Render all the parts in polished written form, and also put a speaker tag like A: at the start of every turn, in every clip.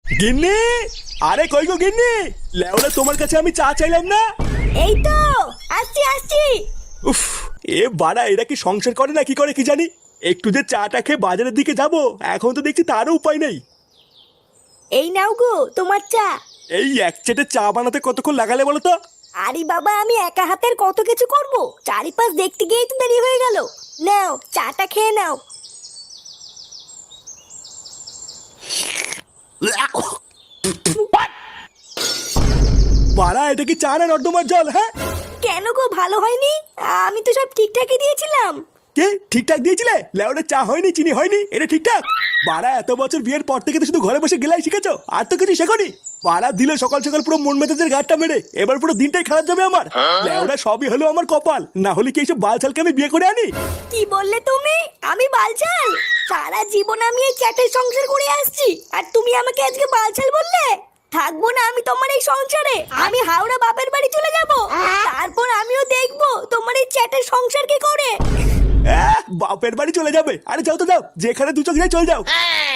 A: গিন্নি, আরে কই গো গিন্নি, লেওরা তোমার কাছে আমি চা চাইলাম না।
B: এই তো আসছি আসছি।
A: উফ, এ বাড়া এরা কি সংসার করে না কি করে কি জানি। একটু যে চাটা খেয়ে বাজারের দিকে যাব, এখন তো দেখছি তারও উপায় নেই।
B: এই নাও গো তোমার চা।
A: এই এক চেটে চা বানাতে কতক্ষণ লাগালে বলো তো?
B: আরে বাবা, আমি একা হাতের কত কিছু করব, চারিপাশ দেখতে গিয়েই তো দেরি হয়ে গেল। নাও চাটা খেয়ে নাও।
A: বাড়া এটা কি চা না নর্দমার জল? হ্যাঁ,
B: কেন গো, ভালো হয়নি? আমি তো সব ঠিকঠাকই দিয়েছিলাম।
A: কে ঠিকঠাক দিয়েছিলে? লেওরা চা হয়নি, চিনি হয়নি, এটা ঠিকঠাক? বাড়া এত বছর বিয়ের পর থেকে তো শুধু ঘরে বসে গেলাই শিখেছো, আর তো কিছু শেখনি। বাড়া দিলে সকাল সকাল পুরো মন মেজাজের গাড়টা মেরে, এবার পুরো দিনটাই খারাপ যাবে আমার। লেওরা সবই হলো আমার কপাল, না হলে কি এইসব বালছালকে আমি বিয়ে করে আনি?
B: কি বললে তুমি? আমি বালছাল? সারা জীবন আমি এই চ্যাটের সংসার করে আসছি, আর তুমি আমাকে আজকে বালছাল বললে? থাকবো না আমি তোমার এই সংসারে। আমি হাওড়া বাপের বাড়ি চলে যাব, তারপর আমিও দেখবো তোমার এই চ্যাটের সংসার কি করে।
A: বাপের বাড়ি চলে যাবে? আরে যাও তো যাও, যেখানে দু চোখ যায় চলে যাও।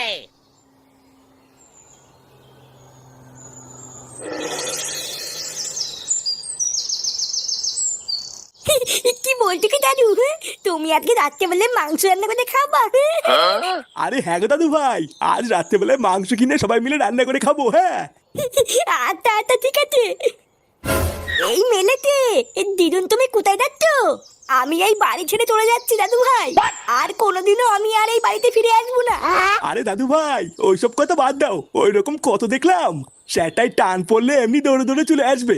B: কি বলছো কি দাদু? তুমি আজকে রাত্রেবেলায় মাংস রান্না করে খাবা?
A: আরে হ্যাঁ গো দাদু ভাই, আজ রাত্রেবেলায় মাংস কিনে সবাই মিলে রান্না করে খাবো। হ্যাঁ
B: আচ্ছা আচ্ছা ঠিক আছে। এই মেলেতে দিদুন, তুমি কোথায় যাচ্ছ? আমি এই বাড়ি ছেড়ে চলে যাচ্ছি দাদু ভাই, আর কোনোদিনও আমি আর এই বাড়িতে ফিরে আসবো না।
A: আরে দাদু ভাই, ওইসব কথা বাদ দাও, ওই রকম কত দেখলাম। সেটাই টান পড়লে এমনি দৌড়ে দৌড়ে চলে আসবে।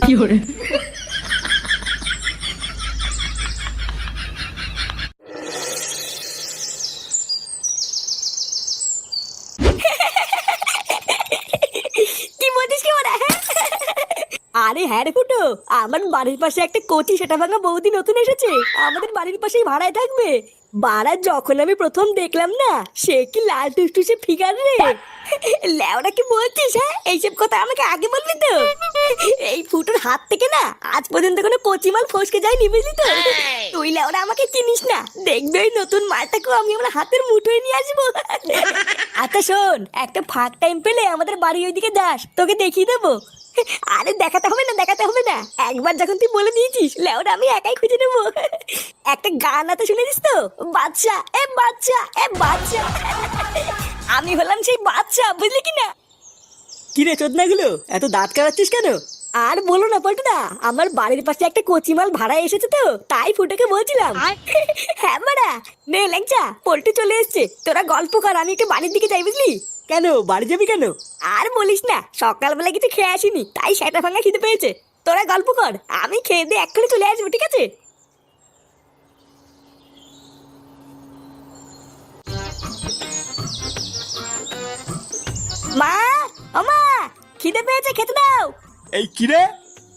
B: কি বলছিস কি ওরা? আরে হ্যাঁ রে ফুটো, আমার বাড়ির পাশে একটা কচি সেটা ভাঙা বৌদি নতুন এসেছে, আমাদের বাড়ির পাশেই ভাড়ায় থাকবে। বাড়া যখন আমি প্রথম দেখলাম না, সে কি লাল টুসটুসে ফিগার রে। লেওরা কি বলছিস? হ্যাঁ, এইসব কথা আমাকে আগে বলবি তো। এই ফুটোর হাত থেকে না আজ পর্যন্ত কোনো কচি মাল ফসকে যায়নি, বুঝলি তো। তুই লেওরা আমাকে চিনিস না, দেখবে ওই নতুন মালটাকেও আমি আমার হাতের মুঠোয় নিয়ে আসবো। আচ্ছা শোন, একটা ফাঁক টাইম পেলে আমাদের বাড়ি ওইদিকে যাস, তোকে দেখিয়ে দেবো। আরে দেখাতে হবে না, দেখাতে হবে না, একবার যখন তুই বলে দিয়েছিস লেওরা আমি একাই খুঁজে নেবো। একটা গান আছে শুনেছিস তো, বাচ্চা এ বাচ্চা এ বাচ্চা। আমি হলাম সেই বাচ্চা, বুঝলি কি না?
C: কি রে চোদনাগুলো, এত দাঁত কাটাচ্ছিস কেন?
B: আর বলো না পল্টুদা, আমার বাড়ির পাশে একটা কচিমাল ভাড়া এসেছে তো, তাই ফুটোকে বলছিলাম। হ্যাঁ বাড়া, নে ল্যাংচা, পল্টু চলে এসছে, তোরা গল্প কর, আমি একটু বাড়ির দিকে যাই, বুঝলি?
C: কেন বাড়ি যাবি কেন?
B: আর বলিস না, সকালবেলা কিছু খেয়ে আসিনি, তাই সেটা ভাঙা খিদে পেয়েছে। তোরা গল্প কর, আমি খেয়ে দিয়ে এক্ষুনি চলে আসবো, ঠিক আছে? মা, ও মা, খিদে পেয়েছে, খেতে দাও।
A: এই কি রে,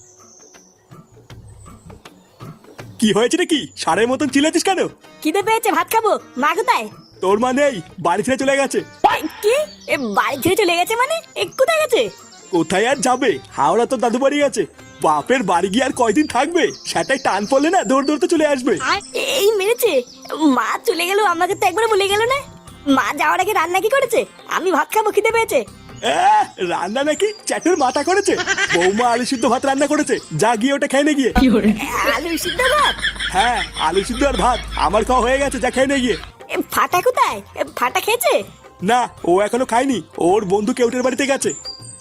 A: কি হয়েছে নাকি? সারের মতন চিল্লাচ্ছিস কেন?
B: খিদে পেয়েছে, ভাত খাবো। মা কোথায়?
A: তোর মা নেই, বাড়ি ছেড়ে চলে গেছে।
B: কি? এ বাড়ি ছেড়ে চলে গেছে মানে? এ কোথায় গেছে?
A: কোথায় আর যাবে, হাওড়া তোর দাদু বাড়ি গেছে। বাপের বাড়ি গিয়ে আর কয়দিন থাকবে, সেটাই টান পড়লে না দৌড় দৌড়তে চলে আসবে।
B: এই মেরেছে, মা চলে গেল, আমাকে তো একবার বলে গেল না। মা যাওয়ার আগে রান্না কি করেছে? আমি ভাত খাবো, খিদে পেয়েছে।
A: রান্না নাকি চ্যাটের মাথা করেছে। বৌমা আলু সিদ্ধ ভাত রান্না করেছে, যা গিয়ে ওটা খেয়ে নে গিয়ে।
B: আলু সিদ্ধ ভাত?
A: হ্যাঁ, আলু সিদ্ধ আর ভাত আমার খাওয়া হয়ে গেছে, যা খেয়ে নে গিয়ে।
B: ফাটা কোথায়? ফাটা খেয়েছে?
A: না, ও এখনো খায়নি, ওর বন্ধু কেউটের বাড়িতে গেছে।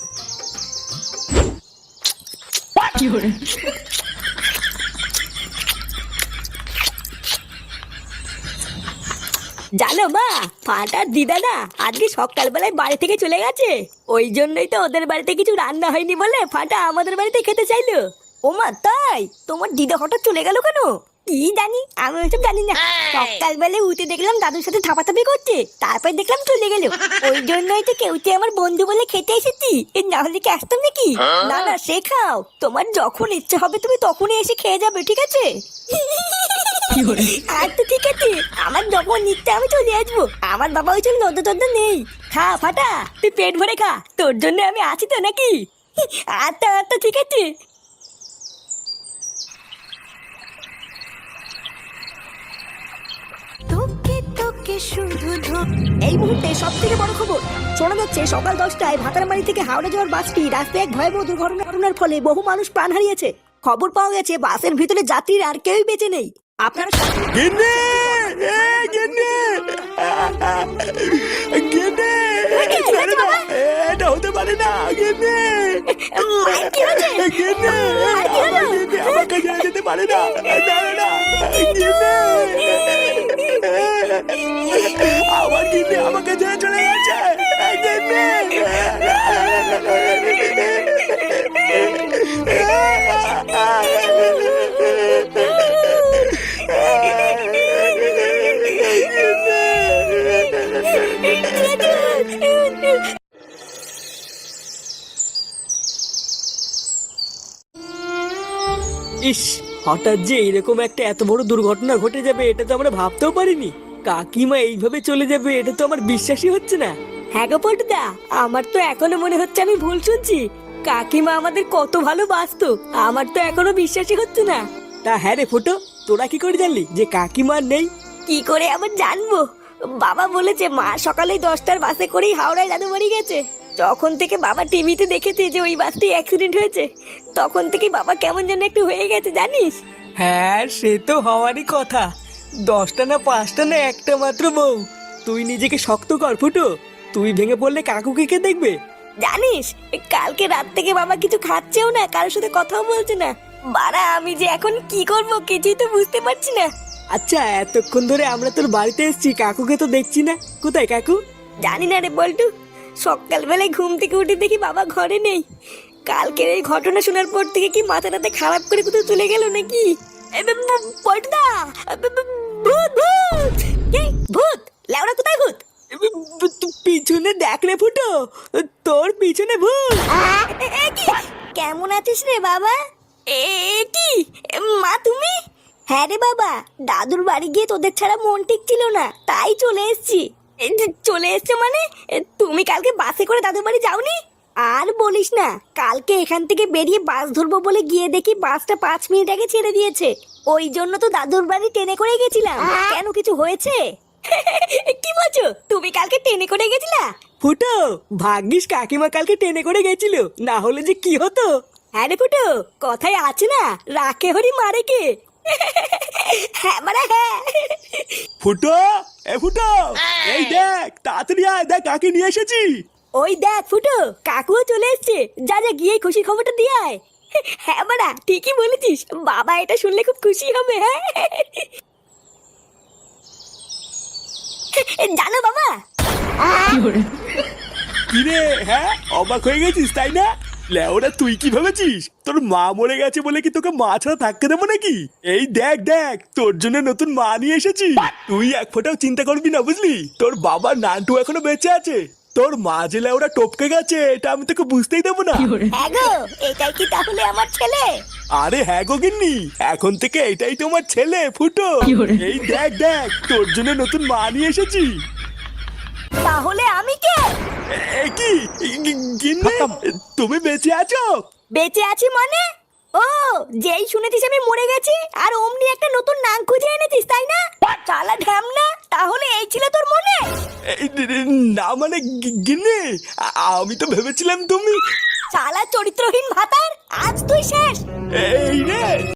B: জানো মা, ফাটার দিদা না আজকে সকালবেলায় বাড়ি থেকে চলে গেছে, ওই জন্যই তো ওদের বাড়িতে কিছু রান্না হয়নি বলে ফাটা আমাদের বাড়িতে খেতে চাইলো। ও মা, তাই? তোমার দিদা হঠাৎ চলে গেল কেন? কি জানি, আমি ওইসব জানি না। সকালবেলায় উঠে দেখলাম দাদুর সাথে থাপাথাপি করছে, তারপর দেখলাম চলে গেল। ওই জন্যই তো কেউতে আমার বন্ধু বলে খেতে এসেছি, না হলে কি আসতাম নাকি? না না, সে খাও, তোমার যখন ইচ্ছা হবে তুমি তখনই এসে খেয়ে যাবে, ঠিক আছে? আচ্ছা ঠিক আছে, আমার যখন ইচ্ছা আমি চলে আসবো, আমার বাবা ওই জন্য নদ্য টদ্য নেই। খা ফাটা, তুই পেট ভরে খা, তোর জন্য আমি আছি তো নাকি? আচ্ছা আচ্ছা ঠিক আছে। তোকে তোকে এই মুহূর্তে সব থেকে বড় খবর শোনা যাচ্ছে সকাল 10টায় ভাতারমারি থেকে হাওড়া যাওয়ার বাসটি রাস্তায় এক ভয়াবহ দুর্ঘটনার ফলে বহু মানুষ প্রাণ হারিয়েছে। খবর পাওয়া গেছে বাসের ভিতরে যাত্রীর আর কেউই বেঁচে নেই। আপনারা
A: গিন্নি! গিন্নি! গিন্নি! ছেড়ে দাও। এটা হতে পারে না, গিন্নি! গিন্নি! আমার গিন্নি আমাকে ছেড়ে যেতে পারে না। না, না, গিন্নি! আমার গিন্নি আমাকে ছেড়ে চলে গেছে। গিন্নি!
C: ইস, হঠাৎ যে এরকম একটা এত বড় দুর্ঘটনা ঘটে যাবে এটা তো আমরা ভাবতেও পারিনি। কাকিমা এইভাবে চলে যাবে এটা তো আমার বিশ্বাসই হচ্ছে না।
B: হ্যাঁ গো পল্টুদা, আমার তো এখনো মনে হচ্ছে আমি ভুল শুনছি। কাকিমা আমাদের কত ভালোবাসতো, আমার তো এখনো বিশ্বাসই হচ্ছে না।
C: তা হ্যাঁ রে ফুটো, তোরা কি করে জানলি যে কাকিমা আর নেই?
B: কি করে আবার জানবো? বাবা বলেছে মা সকালে 10টার বাসে করেই হাওড়ায় দাদু বাড়ি গেছে। যখন থেকে বাবা টিভিতে দেখেছে যে ওই বাসটি অ্যাক্সিডেন্ট হয়েছে, তখন থেকে বাবা কেমন যেন একটু হয়ে গেছে জানিস।
C: হ্যাঁ, সে তো হওয়ারই কথা। 10টা না 5টা না একটা মাত্র বউ। তুই নিজেকে শক্ত কর ফুটো, তুই ভেঙে পড়লে কাকুকে কে দেখবে?
B: জানিস কালকে রাত থেকে বাবা কিছু খাচ্ছেও না, কারোর সাথে কথাও বলছে না। বাড়া আমি যে এখন কি করব কিছুই তো বুঝতে পারছি না।
C: আচ্ছা, এতক্ষণ ধরে আমরা তোর বাড়িতে এসেছি, কাকুকে তো দেখছি না। কোথায় কাকু?
B: জানি না রে বল্টু, সকালবেলায় ঘুম থেকে উঠে দেখি বাবা ঘরে নেই। কালকের এই ঘটনা শোনার পর থেকে কি মাথাটাতে খারাপ করে কোথাও চলে গেল নাকি? পল্টুদা, ভূত ভূত! কি ভূত? লেওড়া কোথায় ভূত?
C: পিছনে দেখ রে ফুটো, তোর পিছনে ভূত।
B: কেমন আছিস রে বাবা? এ কি মা তুমি? হ্যাঁ রে বাবা, দাদুর বাড়ি গিয়ে তোদের ছাড়া মন ঠিক ছিল না, তাই চলে এসেছি। চলে এসছো মানে? তুমি কালকে বাসে করে দাদুর বাড়ি যাওনি? আর বলিস না, কালকে এখান থেকে বেরিয়ে বাস ধরবো বলে গিয়ে দেখি বাসটা 5 মিনিট আগে ছেড়ে দিয়েছে। ওই জন্য তো দাদুর বাড়ি ট্রেনে করে গেছিলাম। কেন, কিছু হয়েছে? কি বলছো, তুমি কালকে ট্রেনে করে গেছিলা?
C: ফুটো, ভাগ্যিস কাকিমা কালকে ট্রেনে করে গেছিল, না হলে যে কি হতো।
B: হ্যাঁ রে ফুটো, কথায় আছে না, রাখে হরি মারে কে। হ্যাঁ মানে হ্যাঁ।
A: ফুটো! এ ফুটো! এই দেখ, তাড়াতাড়ি আয়, দেখ কাকে নিয়ে এসেছি।
B: ওই দেখ ফুটো, কাকুও চলে এসছে। যা যা গিয়ে খুশি খবরটা দিয়ে আয়। হ্যাঁ বাড়া, ঠিকই বলেছিস, বাবা এটা শুনলে খুব খুশি হবে। হ্যাঁ জানো বাবা,
A: কিরে, হ্যাঁ অবাক হয়ে গেছিস তাই না? লেওরা তুই কি ভেবেছিস তোর মা মরে গেছে বলে কি তোকে মা ছাড়া থাকতে দেবো নাকি? এই দেখ দেখ, তোর জন্য নতুন মা নিয়ে এসেছি। তুই এক ফোঁটাও চিন্তা করবি না, বুঝলি? তোর বাবার নানটু এখনো বেঁচে আছে। তোর মা যে লেওরা টপকে গেছে এটা আমি তোকে বুঝতেই দেবো না।
B: হ্যাঁ গো, এটাই কি তাহলে আমার ছেলে?
A: আরে হ্যাঁ গো গিন্নি, এখন থেকে এটাই তোমার ছেলে ফুটো। এই দেখ দেখ, তোর জন্য নতুন মা নিয়ে এসেছি।
B: তাহলে আমি কে?
A: এ কি গিন্নি, তুমি বেঁচে আছো?
B: বেঁচে আছি মানে? ও, যেই শুনেছিস আমি মরে গেছি আর অমনি একটা নতুন নাম খুঁজে এনেছিস তাই না? চালা ঢ্যামনা, তাহলে এই ছিল তোর মনে?
A: না মানে গিন্নি, আমি তো ভেবেছিলাম তুমি।
B: চালা চরিত্রহীন ভাতার, আজ তুই শেষ।
A: এই রে